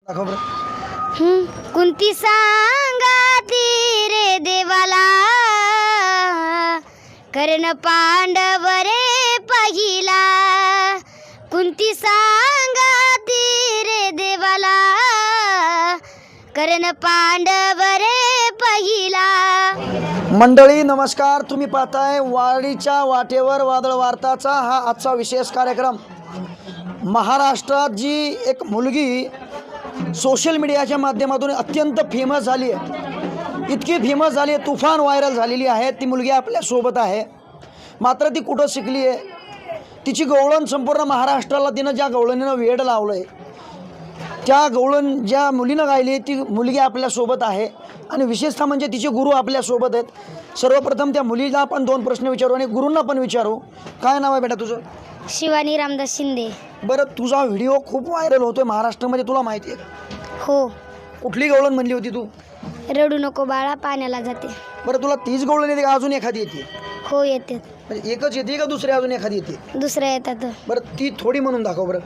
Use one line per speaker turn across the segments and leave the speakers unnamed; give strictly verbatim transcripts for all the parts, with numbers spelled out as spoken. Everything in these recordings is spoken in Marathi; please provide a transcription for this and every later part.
दाखव बरं.
हं, कुंती सांगाती रे देवाला कर्ण पांडव रे पहिला. कुंती सांगाती रे देवाला कर्ण पांडव रे पहिला.
मंडळी नमस्कार. तुम्ही पाहताय वाडीच्या वाटेवर वादळ वार्ताचा हा आजचा विशेष कार्यक्रम. महाराष्ट्रात जी एक मुलगी सोशल मीडियाच्या माध्यमातून अत्यंत फेमस झाली आहे, इतकी फेमस झाली आहे, तुफान व्हायरल झालेली आहे. ती मुलगी आपल्यासोबत आहे. मात्र ती कुठं शिकली आहे, तिची गवळण संपूर्ण महाराष्ट्राला तिनं ज्या गवळणीनं वेड लावलं आहे, त्या गवळण ज्या मुलीनं गायली ती मुलगी आपल्यासोबत आहे. आणि विशेषतः म्हणजे तिचे गुरु आपल्यासोबत आहेत. सर्वप्रथम त्या मुलीला आपण दोन प्रश्न विचारू आणि गुरूंना पण विचारू. काय नाव आहे बेटा तुझं?
शिवानी रामदास शिंदे.
बरं, तुझा व्हिडिओ खूप व्हायरल होतोय महाराष्ट्रामध्ये, तुला माहिती आहे?
हो.
कुठली गवळण म्हणली होती तू?
रडू नको बाळा पाण्याला जाते.
बरं, तुला तीच गवळण येते का अजून एखादी येते?
हो येते.
म्हणजे एकच येते का दुसरी अजून एखादी येते?
दुसऱ्या येतात.
बरं, ती थोडी म्हणून दाखव बरं.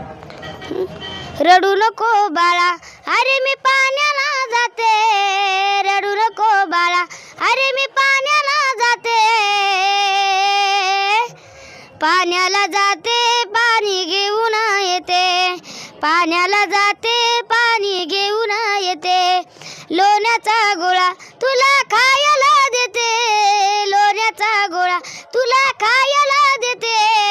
रडू नको बाळा अरे मी पाण्याला जाते. रडू नको बाळा अरे मी पाण्याला जाते. पाण्याला जाते पाणी घेऊन येते. पाण्याला जाते पाणी घेऊन येते. लोण्याचा गोळा तुला खायला देते. लोण्याचा गोळा तुला खायला देते.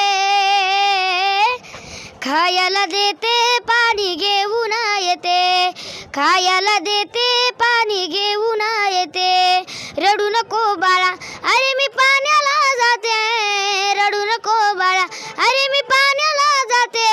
खायला देते पाणी घेऊन येते. खायला देते पाणी घेऊन येते. रडू नको बाळा अरे मी पाण्याला जाते. रडू नको बाळा अरे मी पाण्याला जाते.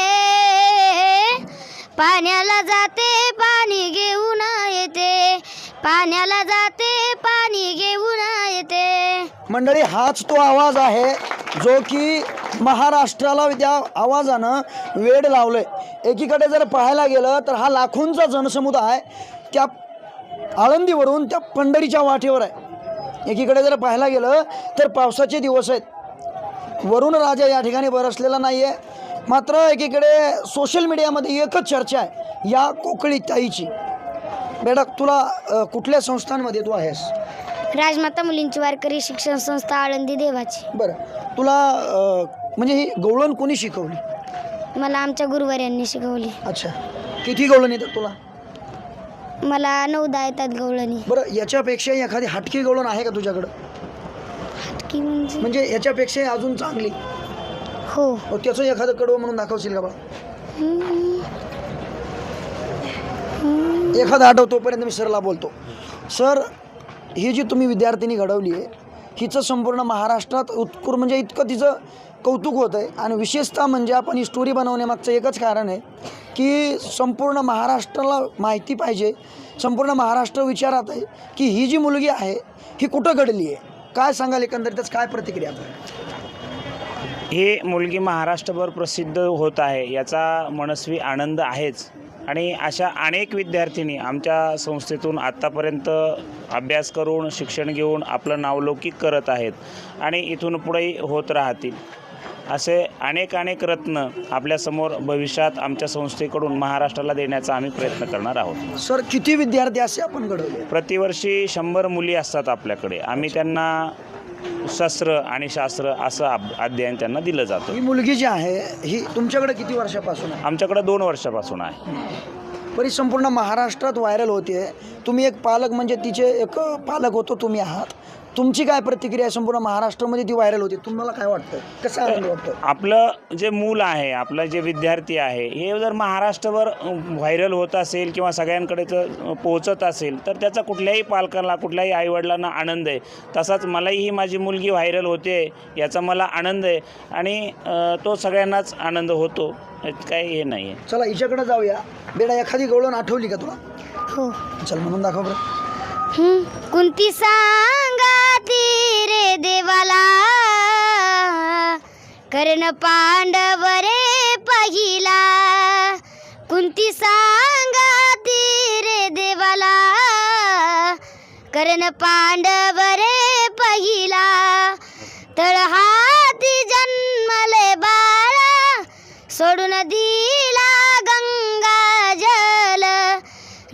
पाण्याला जाते पाणी घेऊन येते. पाण्याला जाते पाणी घेऊन येते.
मंडळी, हाच तो आवाज आहे जो की महाराष्ट्राला त्या आवाजानं वेड लावलं आहे. एकीकडे जर पाहायला गेलं तर हा लाखोंचा जनसमुदाय त्या आळंदीवरून त्या पंढरीच्या वाटेवर आहे. एकीकडे जर पाहायला गेलं तर पावसाचे दिवस आहेत, वरुण राजा या ठिकाणी बरसलेला नाही आहे. मात्र एकीकडे सोशल मीडियामध्ये एकच चर्चा आहे या कोकळी ताईची. बेटा, तुला अ, कुठल्या संस्थांमध्ये तू आहेस?
राजमाता मुलींची वारकरी शिक्षण संस्था आळंदी देवाची.
बरं, तुला अ, म्हणजे ही गवळण कोणी शिकवली?
मला आमच्या गुरुवाऱ्यांनी शिकवली.
अच्छा, किती गवळण येतात तुला?
मला नऊदा येतात गवळणी.
बरं, याच्यापेक्षा एखादी हटकी गवळण आहे का तुझ्याकडं?
हटकी म्हणजे
म्हणजे याच्यापेक्षा अजून चांगली?
हो.
मग त्याचं एखादं कडवं म्हणून दाखवशील का बा?
हम्म.
एखादं आठव, तोपर्यंत मी सरला बोलतो. सर, ही जी तुम्ही विद्यार्थिनी घडवली आहे, हिचं संपूर्ण महाराष्ट्रात उत्कृ म्हणजे इतकं तिचं कौतुक होतं आहे. आणि विशेषतः म्हणजे आपण ही स्टोरी बनवण्यामागचं एकच कारण आहे की संपूर्ण महाराष्ट्राला माहिती पाहिजे. संपूर्ण महाराष्ट्र विचारात आहे की ही जी मुलगी आहे ही कुठं घडली आहे. काय सांगाल एकंदरीतच, काय प्रतिक्रिया?
ही मुलगी महाराष्ट्रभर प्रसिद्ध होत आहे याचा मनस्वी आनंद आहेच. आणि अशा अनेक विद्यार्थिनी आमच्या संस्थेतून आत्तापर्यंत अभ्यास करून शिक्षण घेऊन आपलं नावलौकिक करत आहेत आणि इथून पुढेही होत राहतील. असे अनेक अनेक रत्न आपल्यासमोर भविष्यात आमच्या संस्थेकडून महाराष्ट्राला देण्याचा आम्ही प्रयत्न करणार आहोत.
सर, किती विद्यार्थी असे आपण घडवले?
प्रतिवर्षी शंभर मुली असतात आपल्याकडे. आम्ही त्यांना शस्त्र आणि शास्त्र असं अध्ययन त्यांना दिलं जातं.
ही मुलगी जी आहे ही तुमच्याकडे किती वर्षापासून आहे?
आमच्याकडे दोन वर्षापासून आहे.
बरी संपूर्ण महाराष्ट्रात व्हायरल होते. तुम्ही एक पालक म्हणजे तिचे एक पालक होतो तुम्ही आहात. तुमची काय प्रतिक्रिया आहे? संपूर्ण महाराष्ट्रामध्ये ती व्हायरल होती, तुम्हाला काय वाटतं? कसं आनंद वाटतं?
आपलं जे मूल आहे, आपलं जे विद्यार्थी आहे, हे जर महाराष्ट्रभर व्हायरल होत असेल किंवा सगळ्यांकडे जर पोहोचत असेल तर त्याचा कुठल्याही पालकांना, कुठल्याही आईवडिलांना आनंद आहे. तसाच मलाही ही माझी मुलगी व्हायरल होते याचा मला आनंद आहे आणि तो सगळ्यांनाच आनंद होतो. काही हे नाही आहे.
चला हिच्याकडे जाऊया. बेटा, एखादी गवळण आठवली का तुला?
हो.
चल म्हणून दाखव बरं.
हं, कुंती सांगाती रे देवाला कर्ण पांडव रे पहिला. कुंती सांगाती रे देवाला कर्ण पांडव रे पहिला. तळहाती जन्मले बाळा सोडून दिला गंगा जल.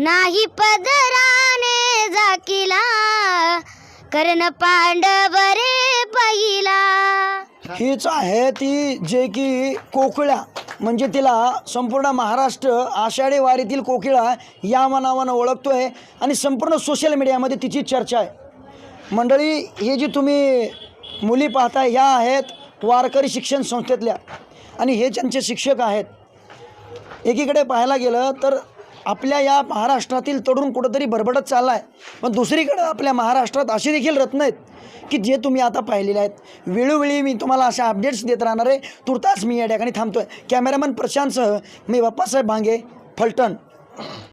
नाही पदराने झाकिला कर्ण पांडव रे पहिला.
हीच आहे ती जे की कोकिळा, म्हणजे तिला संपूर्ण महाराष्ट्र आषाढी वारीतील कोकिळा या नावानं ओळखतोय आणि संपूर्ण सोशल मीडियामध्ये तिची चर्चा आहे. मंडळी, हे जी तुम्ही मुली पाहताय ह्या आहेत वारकरी शिक्षण संस्थेतल्या आणि हे ज्यांचे शिक्षक आहेत. एकीकडे पाहायला गेलं तर आपल्या या महाराष्ट्रातील तरुण कुठंतरी भरभटत चालला आहे, पण दुसरीकडे आपल्या महाराष्ट्रात असे देखील रत्न आहेत की जे तुम्ही आता पाहिलेले आहेत. वेळोवेळी मी तुम्हाला अशा अपडेट्स देत राहणार आहे. तुर्तास मी या ठिकाणी थांबतो आहे. कॅमेरामन प्रशांतसह मी बाप्पासाहेब भांगे, फलटण.